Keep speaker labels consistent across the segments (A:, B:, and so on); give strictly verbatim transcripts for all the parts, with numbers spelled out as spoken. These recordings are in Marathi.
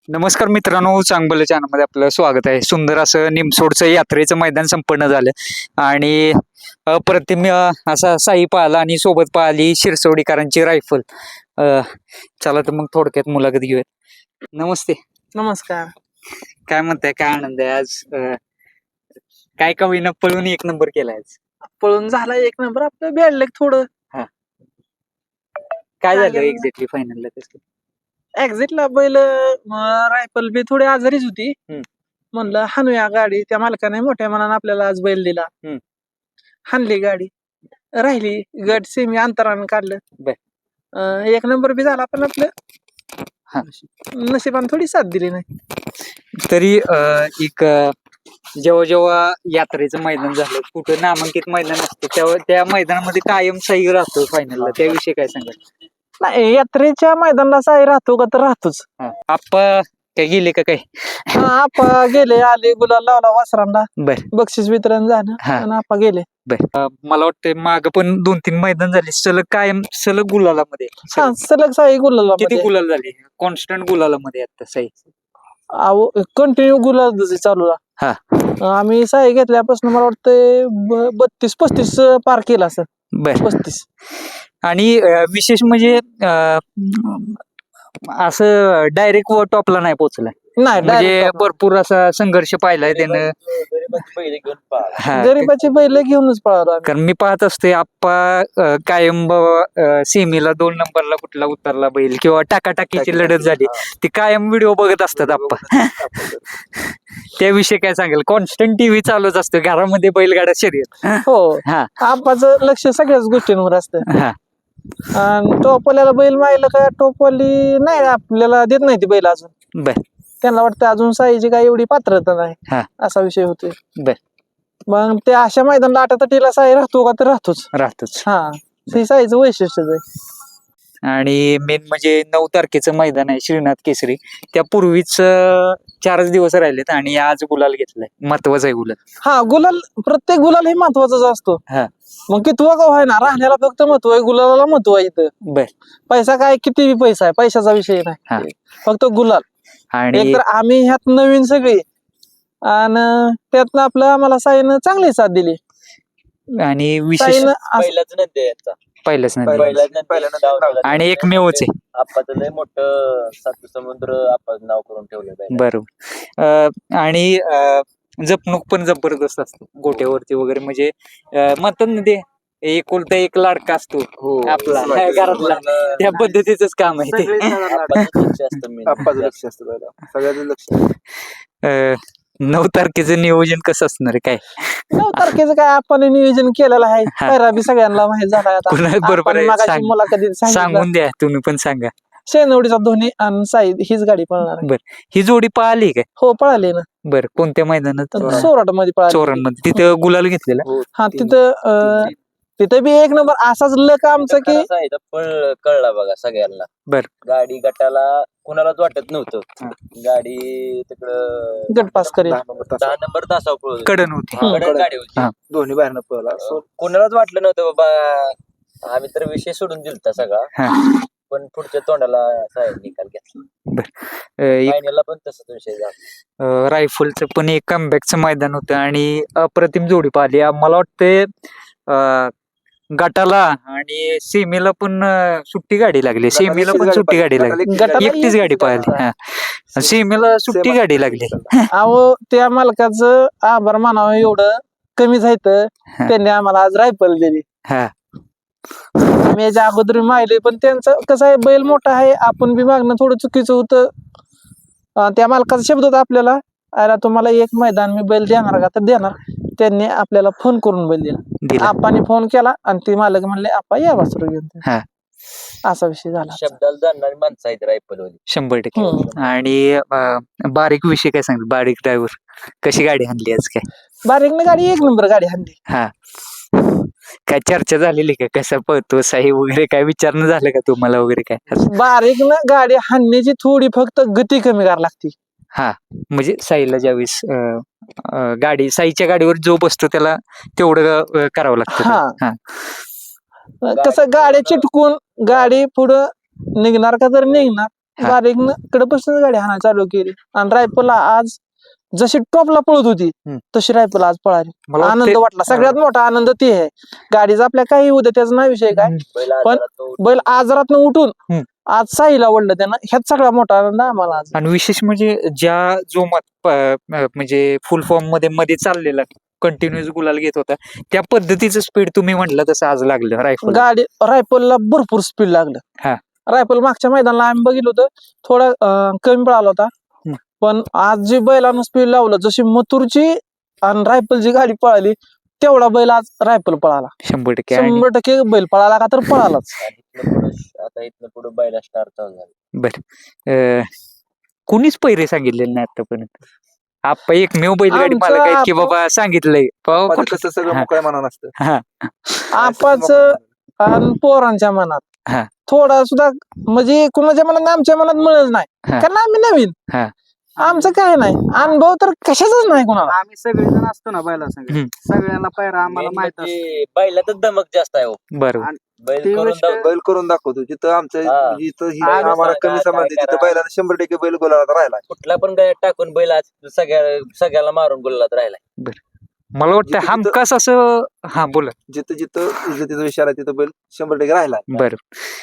A: नमस्कार मित्रांनो, चांगलं चॅनलमध्ये आपलं स्वागत आहे. सुंदर असं निमसोडचं यात्रेचं मैदान संपन्न झालं आणि अप्रतिम अ, असा साई पाहिला आणि सोबत पाहिली शिरसोडीकरांची रायफल. अ, चला तर मग थोडक्यात मुलाखत घेऊयात. नमस्ते.
B: नमस्कार.
A: काय म्हणताय, काय आनंद आहे आज? अ, काय का होईना पळून एक नंबर केलाय आज.
B: पळून झाला एक नंबर, आपलं भेटलं थोडं.
A: काय
B: काय
A: झालं
B: केलं?
A: एक्झॅक्टली फायनलला तसं?
B: एक्झिटला बैल रायफल बी थोडी आजारीच होती.
A: हम्म.
B: म्हणलं हाणूया गाडी, त्या मालकाने मोठ्या मनानं आपल्याला आज बैल दिला.
A: हम्म.
B: हाणली गाडी, राहिली गट सेमी अंतरानं काढलं.
A: बर.
B: अं, एक नंबर बी झाला, पण आपलं
A: हा.
B: नशिबाने थोडी साथ दिली नाही.
A: तरी अ, एक अ, जेव्हा जेव्हा यात्रेचं मैदान झालं, कुठं नामांकित मैदान असतं तेव्हा त्या मैदानामध्ये कायम साई राहतो फायनलला, त्याविषयी काय सांगाल?
B: नाही, यात्रेच्या मैदानाला साई राहतो का तर राहतोच.
A: आप्पा काय गेले का काय?
B: हा, आपा गेले, आले, गुलाल लावला वासरांना,
A: बर
B: बक्षीस वितरण झालं
A: हा.
B: आणि आपा गेले.
A: बर. अ, मला वाटतं माग पण दोन तीन मैदान झाले सलग, कायम सलग गुलालामध्ये.
B: हा, सलग साई गुलाल
A: किती गुलाल झाले? कॉन्स्टंट गुलालामध्ये आता साई.
B: कंटिन्यू गुलाल चालू
A: हा.
B: आम्ही साई घेतल्यापासून मला वाटतं बत्तीस पस्तीस पार केला सर.
A: बर.
B: पस्तीस.
A: आणि अ, विशेष म्हणजे अ, असं डायरेक्ट टॉपला नाही पोहोचला,
B: नाही,
A: म्हणजे
B: direct top.
A: भरपूर असा संघर्ष पाहिलाय त्यानं. हा.
B: गरीबाची बैल घेऊनच पळाला.
A: कारण मी पाहत असते आप्पा अ, कायम बाबा सेमीला दोन नंबरला कुठला उतरला बैल किंवा टाकाटाकीची लढत झाली ती कायम व्हिडिओ बघत असतात आप्पा. त्याविषयी काय सांगेल? कॉन्स्टंट टीव्ही चालूच असतो घरामध्ये बैलगाडा शर्यत.
B: हो,
A: हा
B: आपाचं लक्ष सगळ्याच गोष्टींवर असतं.
A: हा
B: आणि टोपवाल्याला बैल माहिलं का टोपवाली नाही आपल्याला देत नाही ती बैल अजून.
A: बर.
B: त्यांना वाटतं अजून साईची काय एवढी पात्रता नाही,
A: हा.
B: असा विषय होतोय.
A: बर.
B: मग ते अशा मैदानाला आटातटीला साई राहतो का तर राहतोच.
A: राहतोच.
B: हा, ते साईचं वैशिष्ट्यच आहे.
A: आणि मेन म्हणजे नऊ तारखेचं मैदान आहे श्रीनाथ केसरी, त्या पूर्वीच अं, चारच दिवस राहिलेत आणि आज गुलाल घेतलाय, महत्वाचा आहे गुलाल.
B: हा, गुलाल प्रत्येक गुलाल हे महत्वाचाच असतो.
A: हा.
B: मग किती का व्हायना राहण्याला फक्त महत्व आहे, गुलाला महत्व आहे इथं.
A: बर.
B: पैसा काय किती पैसा आहे, पैशाचा विषय
A: हा.
B: नाही, फक्त गुलाल.
A: आणि
B: एक तर आम्ही ह्यात नवीन सगळी आणि त्यातनं आपलं आम्हाला साईनं चांगली साथ दिली.
A: आणि विशेष
B: साईनं असं-
C: पहिलाच नंदी याचा
A: पहिलंच नाही
C: पहिलाच नंदी
A: आणि एकमेवच आहे.
C: आप्पाचं लय मोठं सात समुद्र आपण नाव करून ठेवलं पाहिजे.
A: बरोबर. अं, आणि अं, जपणूक पण जबरदस्त असते गोट्यावरती वगैरे, म्हणजे अं, म्हणतात ना ते एकुलता एक लाडका असतो आपला घरातला, त्या पद्धतीच काम आहे ते.
C: आप्पाचं लक्ष असतं main.
D: आप्पाचं लक्ष असतं पहिला, सगळ्याचं लक्ष.
A: अं, नऊ तारखेचं नियोजन कसं असणार आहे काय?
B: नऊ तारखेचं काय आपण नियोजन केलेलं आहे,
A: हा.
B: पैरा बी सगळ्यांना माहित झाला आता.
A: पुन्हा बरोबर
B: आपण
A: आहे,
B: मगाशी
A: सांग-
B: मुलाखतीत सांगितलं,
A: सांगून द्या, तुम्ही पण सांगा.
B: शेनवडीचा धोनी आणि साई हीच गाडी पळणार आहे.
A: ही जोडी पळाली काय?
B: हो, पळाली ना.
A: बर. कोणत्या मैदानात?
B: सोराट मध्ये पळाली.
A: चोरांमध्ये. तिथं गुलाल घेतलेला.
D: हो,
B: हा,
D: तीन-
B: तिथं अं, तिथं बी एक नंबर असाच लक आमचं की
C: खरं सांगितलं, पळ कळला बघा सगळ्यांना.
A: बर.
C: गाडी गटाला कुणालाच वाटत नव्हतं गाडी तिकडं
B: गट पास करेल.
D: दहा नंबर तास.
C: दहा नंबर तासावर पळत होती.
A: कडन होती.
D: हा,
C: कडक
D: कडक.
C: गाडी होती.
A: हा.
D: दोन्ही बाहेरनं पळला.
C: अं, कोणालाच वाटलं नव्हतं बाबा, आम्ही तर विषय सोडून दिलता सगळा,
A: हा.
C: पण पुढच्या तोंडाला साहेब निकाल घेतला.
A: अं, एक
C: फायनलला पण तसंच विषय झाला.
A: अं, रायफलचं पण एक कमबॅकचं मैदान होतं आणि अप्रतिम जोडी पाहिली. मला वाटते अं, गटाला आणि सेमीला पण अं, सुट्टी गाडी लागली,
D: गटाला
A: सेमीला
D: एकटीच
A: पण
D: गाडी
A: सुट्टी
D: पाहिली.
A: गाडी लागली,
D: गटाला
B: गटाला
A: एकटीच गाडी पाहिली. हा. सेमीला सुट्टी गाडी लागली.
B: अहो, त्या मालकाचं आभार मानावं एवढं कमी जायचं,
A: हा.
B: त्यांनी आम्हाला आज रायफल दिली.
A: हा.
B: आम्ही याच्या अगोदर माहिले, पण त्यांचं कसं आहे, बैल मोठा आहे, आपण बी मागणं थोडं चुकीचं होतं. अं, त्या मालकाचा शब्द होता आपल्याला, अरे तुम्हाला एक मैदान मी बैल देणार का तर देणार. त्यांनी आपल्याला फोन करून बैल दिला.
A: दिला.
B: आपाने फोन केला आणि ते मालक म्हणले आपा या वासरू घेऊन.
A: हा.
B: असा विषय झाला.
C: शब्दाला जाणणारी माणसं आहेत रायफलवाली.
A: शंभर टक्के.
B: हम्म.
A: आणि अं, बारीक विषय काय सांगितलं? बारीक ड्रायव्हर कशी गाडी आणली आज काय?
B: बारीकनं गाडी एक नंबर गाडी हाणली.
A: हा. काय चर्चा झालेली का, कसा पळतो साई वगैरे, काय विचारणं झालं का तुम्हाला वगैरे काय असं?
B: बारीकनं गाडी हाणण्याची थोडी फक्त गती कमी करावी लागते.
A: हा, म्हणजे साईला ज्यावेळेस अं, अं, गाडी साईच्या गाडीवर जो बसतो त्याला तेवढं अं, करावं लागतं.
B: हा.
A: हा.
B: कसं गाडी चिटकून गाडी पुढं निघणार का तर निघणार,
A: हा.
B: बारीक कडपासून गाडी हाणा चालू केली आणि रायफलला आज जशी टॉपला पळत होती
A: हम्म.
B: तशी रायफल आज पळाली.
A: मला
B: आनंद
A: वाटते-
B: वाटला. सगळ्यात मोठा आनंद ते आहे. गाडीचा आपल्या काही उद्या त्याचा नाही विषय काय,
C: बैल
B: पण
C: आजारात उठून
B: बैल आजारातनं उठून
A: हम्म.
B: आज साईला ओढलं त्यानं, ह्यात सगळा मोठा आनंद आम्हाला आज.
A: आणि विशेष म्हणजे ज्या जोमात प- अं, म्हणजे फुल फॉर्म मध्ये मध्ये चाललेला कंटिन्युअस गुलाल घेत होता त्या पद्धतीचं स्पीड तुम्ही म्हटलं तसं आज लागलं रायफल.
B: गाडी रायफलला भरपूर स्पीड लागलं.
A: हा.
B: रायफल मागच्या मैदानाला आम्ही बघितलं होतं थोडा अं, कमी पळाला होता,
A: हम्म.
B: पण आज जी बैलानं स्पीड लावलं, जशी मथुरची आणि रायफलची गाडी पळाली तेवढा बैल आज रायफल पळाला.
A: शंभर टक्के. आणि
B: शंभर टक्के बैल पळाला का तर पळालाच.
C: इथनं पुढं आता इथनं पुढे बैला स्टार चालू झाला.
A: बर अं, कुणीच पैरे सांगितलेले नाही आतापर्यंत. आपण एकमेव बैलगाडी
B: आमचा
A: मालक आहेत की
B: आप-
A: बाबा सांगितलंय बाबा
D: माझं
A: कुठलं-
D: कसं सगळं
A: हा.
D: मोकळ्या मनानं असतं.
A: हा.
B: आपाच आणि पोरांच्या मनात
A: हा.
B: थोडा सुद्धा म्हणजे कुणाच्या मनात आमच्या मनात मिळत नाही,
A: हा.
B: कारण आम्ही नवीन.
A: हा.
B: आमचं काय नाही अनुभव तर कशाचाच नाही कुणाला.
E: आम्ही सगळेजण असतो ना बैला संग,
A: हम्म.
E: सगळ्यांना पायरा आम्हाला
C: Main
E: माहित असतो.
C: म्हणजे बैलातच दमक जास्त आहे हो.
A: बरोबर.
C: बैल
E: ती
C: करून
E: गोष्ट-
C: दाव-
D: बैल करून दाखवतो जिथं आमचं
C: हा.
D: जिथं ही
C: बैल
D: आम्हाला
C: सांगा,
D: कमी
C: काय
D: समजते तिथं
C: करा.
D: बैलाला शंभर टक्के बैल गोलाला राहिला.
C: कुठला पण गाय टाकून बैल आज सगळ्या सगळ्याला मारून गुलालात राहिलाय.
A: मला वाटतं
D: जिथं-
A: हमखास असं हा बोला.
D: जिथं जिथं इज्जतीचा विचार आहे तिथं बैल शंभर टक्के राहिला.
A: बर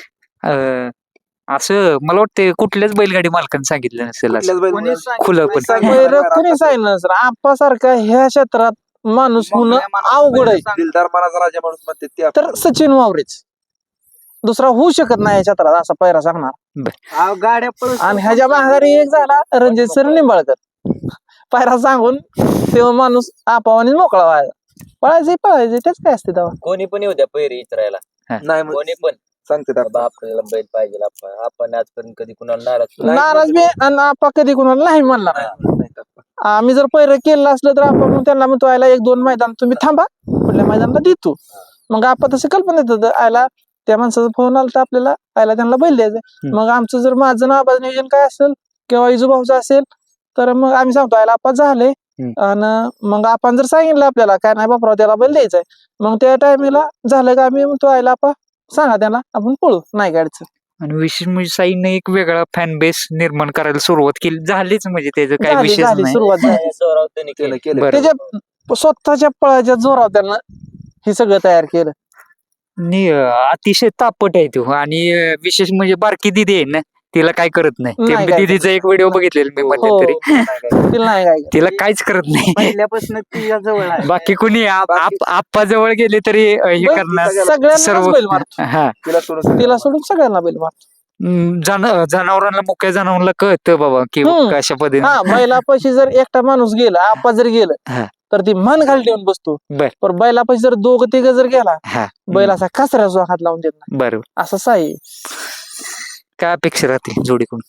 A: असं मला वाटतं कुठल्याच बैलगाडी मालकाने सांगितलं नसेल असं.
D: कुठल्याच बैल
E: कोणी सांगितलं
A: खुलं
E: नाही,
A: पण.
E: सांगितलं
B: बैर
E: नाही.
B: कुणी सांगितलं सर, आपासारखा ह्या क्षेत्रात माणूस होणं
E: मोकळ्या मनात
B: अवघड आहे.
E: बैल सांग-
D: दिलदार मनाचा राजा माणूस म्हणते ते आपण.
B: तर सचिन वावरेच दुसरा होऊ शकत नाही या क्षेत्रात असा पैरा सांगणार.
E: अहो, गाड्या पळत
B: आणि ह्याच्या माघारी एक झाला रणजित सर निंबाळकर, पैरा सांगून तेव्हा माणूस आपावानीच मोकळा व्हायचा. पळायचे पळायचे तेच काय असते तेव्हा.
C: कोणी पण येऊ द्या पैरी इचरायला,
D: नाही मग
C: कोणी पण
D: सांगते
C: बाबा आपल्याला बैल पाहिजे. आपण आपण आजपर्यंत कधी कुणाला नाराज केलं
D: नाही.
B: नाराज बी आणि आपा कधी कुणाला नाही म्हणला नाही. आम्ही जर पैर केलं असलं तर आपण मग त्यांना म्हणतो आयला एक दोन मैदान तुम्ही थांबा, कुठल्या मैदानाला देतो. मग आपण तसं कल्पना येत होतं आयला त्या माणसाचा फोन आला तर आपल्याला आयला त्यांना बैल द्यायचं.
A: हम्म.
B: मग आमचं जर माझं नाबाज नियोजन काय असेल किंवा इजूभाऊचं असेल तर मग आम्ही सांगतो आयला आपा झाले,
A: हम्म.
B: आणि मग आपण जर सांगितलं आपल्याला काय नाही बापराव त्याला बैल द्यायचंय, मग त्या टायमिंगला झालं का आम्ही म्हणतो आयला आपा सांगा त्यांना आपण पळू, नाही गाडीचं.
A: आणि विशेष म्हणजे साईने एक वेगळा फॅन बेस निर्माण करायला सुरुवात केली झालीच म्हणजे त्याचं काही
B: झाली
A: विशेष
B: झाली
A: नाही.
B: सुरुवात झाली.
C: त्या जोरावर त्यांनी
D: त्यानं
C: केलं.
D: केलं.
A: बरं.
B: त्याच्या स्वतःच्या पळाच्या जोरावर त्यानं हे सगळं तयार केलं.
A: आणि अं, अतिशय तापट आहे तो. आणि अं, विशेष म्हणजे बारकी दिदी आहे ना, तिला काय करत नाही.
B: नाही
A: ते
B: काय
A: दिदीचा एक व्हिडिओ बघितलेला मी
B: हो
A: मध्यंतरी.
B: तिला नाही काय
A: तिला काहीच करत नाही.
E: पहिल्यापासून ती या जवळ आहे.
A: बाकी कुणी आप- आप- आप्पा जवळ गेले तरी अं, हे
B: बैल
A: करणार
B: सगळ्यांनाच
A: सर्व
B: बैल मारतो.
A: हा.
D: तिला सोडून
B: तिला सोडून सगळ्यांना बैल मारतो.
A: हम्म, जन- जनावरांना मुक्या जनावरांना कळतं बाबा की
B: हम्म.
A: कशा पद्धतीने.
B: हा बैलापाशी जर एकटा माणूस गेला, आपा जर
A: हा.
B: गेलं तर ती मन खाली ठेवून बसतो.
A: बर.
B: पण बैलापाशी जर दोघ तिघ जर गेला,
A: हा.
B: बैल असा कचऱ्याचा हात लावून देत नाही.
A: बरोबर.
B: असं साई
A: काय अपेक्षा राहते जोडीकडून?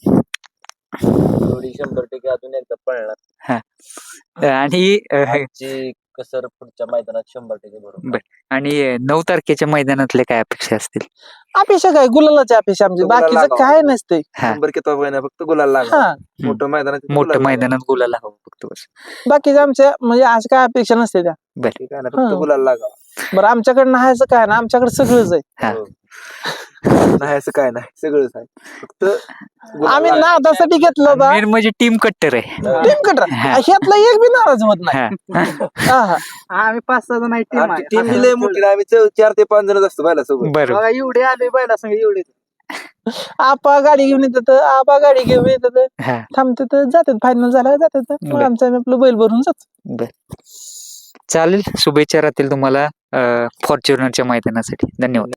C: थोडी शंभर टक्के अजून एकदा पळणार.
A: आणि अं,
C: आजची कसर पुढच्या मैदानात शंभर टक्के बरोबर.
A: आणि अं, नऊ तारखेच्या मैदानातले काय अपेक्षा असतील?
B: अपेक्षा काय गुलालाची अपेक्षा आमची,
D: गुलाल
B: बाकीचं
D: लागावं.
B: काय नसते.
A: हा.
D: शंभर किती नाही फक्त गुलाल लागला.
B: हा
D: मोठं मैदानात तिथं
A: मोठं
D: गुलाल लागावं.
A: मैदानात गुलाला हवं फक्त बस.
B: बाकीच्या आमच्या म्हणजे आज काय अपेक्षा नसते त्या.
D: ठीक आहे ना,
B: हा.
D: फक्त गुलाल लागावा.
B: बरं आमच्याकडे नाहायचं काय ना, आमच्याकडे सगळंच आहे.
A: हा.
C: हो.
D: नाही असं काय नाही, सगळंच आहे. फक्त गुलाल
B: आम्ही
D: लागावा.
B: नादासाठी घेतलं होता
A: मेन म्हणजे टीम कट्टर आहे.
B: टीम कटर,
A: हा.
B: ह्यातला एक बी नाराज होत नाही.
A: हा.
B: हा, हा.
E: आम्ही पाच सहा जण आहे टीम
D: आमची टीम बी लय मोठी नाही, आम्ही चौ- चार ते पाच जण असतो बैला सोबत.
A: बरोबर.
E: बघा एवढे आले बैला संग एवढे.
B: आपा गाडी घेऊन येतात, आपा गाडी घेऊन येतात,
A: हा.
B: थांबतात, जातात, फायनल झाला जातात, मग
A: बर.
B: आमचं आम्ही आपलं बैल भरून जातो.
A: बर. चालेल. शुभेच्छा राहतील तुम्हाला फॉर्च्युनरच्या मैदानासाठी. धन्यवाद.